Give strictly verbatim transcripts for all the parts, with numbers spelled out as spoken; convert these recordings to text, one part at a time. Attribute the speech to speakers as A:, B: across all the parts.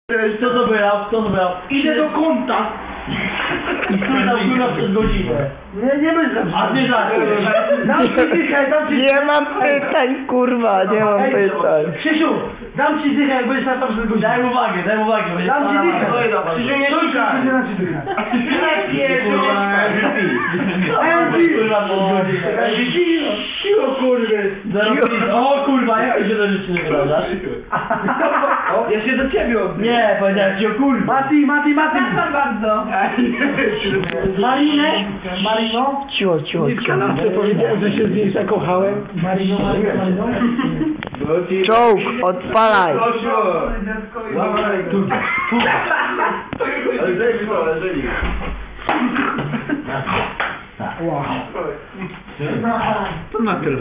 A: Co to było? Co to było?
B: Idę do kąta.
A: I który tam kurwa przez godzinę?
B: Nie, nie będę.
A: A ty żartujesz?
B: Dam ci dychę, dam ci...
C: Nie mam pytań, kurwa, nie mam pytań.
B: Krzysiu, dam ci dychę, jak będziesz na to przez godzinę.
A: Daj mu uwagę, daj mu uwagę. będzie
B: Dam ci
A: pana-
B: dychę.
A: No i dobra.
B: Krzysiu, nie szukaj. Krzysiu, dam ci dychę.
A: Kurwa, przez godzinę.
B: Cicho, kurde.
A: O kurwa, jak ty się do rzeczy nie wyrażasz?
B: Ja się do ciebie odbiję.
A: Nie, powiedziałem ci o kurwa.
B: Mati, Mati, Mati. Przepraszam bardzo. Marinę. Marino.
C: Cicho, cicho,
B: W
C: cicho.
B: kanapce powiedziałem, że się z niej zakochałem. Marino, Marino, Marino.
C: Czołg, odpalaj.
A: Dawaj, tu, tu. Ale daj mi to, leżeli.
B: Wow. To na tyle.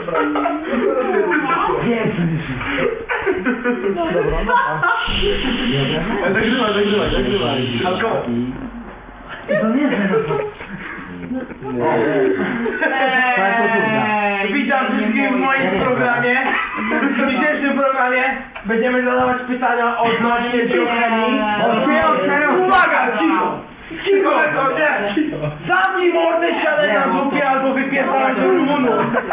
B: Dobra, no.
A: Zagrywaj, zagrywaj, zagrywaj.
B: Alkohol. To nie jest Witam wszystkich w moim programie. W dzisiejszym programie będziemy zadawać pytania odnośnie biochemii. Uwaga, cicho! Cicho, to nie! Zamknij mordę, siadaj na zupie albo wypierdalaj do Rumunu.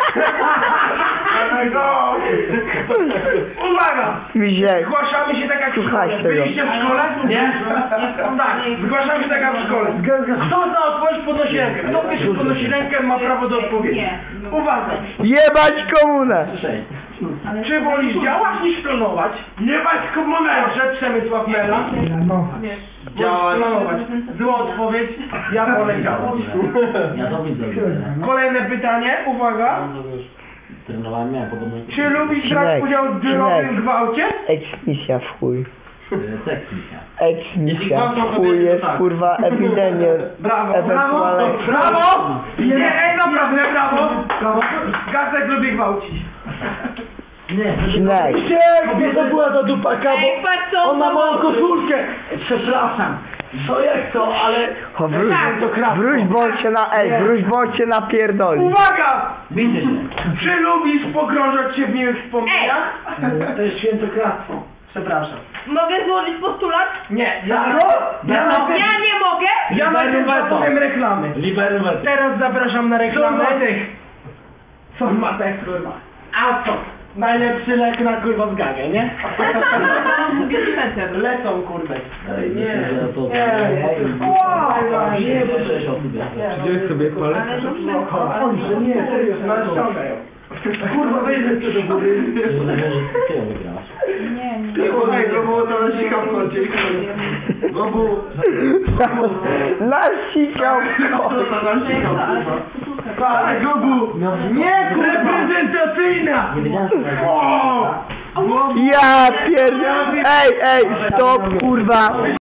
B: Uwaga!
C: Misiek,
B: Zgłaszamy się tak jak w
C: Słuchaj
B: szkole.
C: tego.
B: Byliście w szkole? Nie? Tak, zgłaszamy się tak jak w szkole. Kto zna odpowiedź, podnosi rękę. Kto pierwszy podnosi rękę, ma prawo do odpowiedzi. Uwaga!
C: jebać komunę.
B: Czy wolisz działać niż planować? Jebać komunę! Proszę, Przemysław Mela.
A: Działać.
B: Planować. Zła odpowiedź, ja wolę działać.
A: Ja to widzę.
B: Kolejne pytanie, uwaga.
A: Trenowałem, miałem podobno...
B: Czy lubisz brać
C: Śnieg,
B: udział w drogowym
C: śnieg.
B: gwałcie?
C: Eksmisja w chuj.
A: Teknika.
C: Eksmisja w chuj jest kurwa epidemia.
B: Brawo, brawo,
C: Ewentualnie.
B: brawo! Nie, ej, naprawdę, brawo! Brawo! Gazek lubi gwałcić.
C: Śnieg.
B: Gdzie to była ta dupaka, bo on ma moją koszulkę. Przepraszam. Co jak to, ale...
C: O, wróć,
B: to krawko.
C: wróć, bo cię na, ej, wróć, bo cię napierdoli.
B: Uwaga!
A: Widzę się.
B: Czy lubisz pogrążać się w miłych wspomnieniach? To jest świętokradztwo. Przepraszam.
D: Mogę złożyć postulat?
B: Nie, ja... Ja,
D: Ja
B: najpierw-
D: nie mogę!
B: ja najpierw zapowiem reklamy.
A: Liberumet.
B: Teraz zapraszam na reklamę. Co ma tych kurwa? A co? Najlepszy lek na kurwa z gagę, nie? Lecą kurde. Nie, nie, nie,
A: Gdzie sobie palec?
B: Ojże, nie, serio, ściągają. Kurwa, wyjdę do góry.
D: Nie, nie.
B: Słuchaj, Gobu, to nasikał w kącie. Gobu.
C: Nasikał w końcu.
B: Ale Gobu. Nie, reprezentacyjna. O!
C: Ja pierd... Ej, ej, stop, kurwa.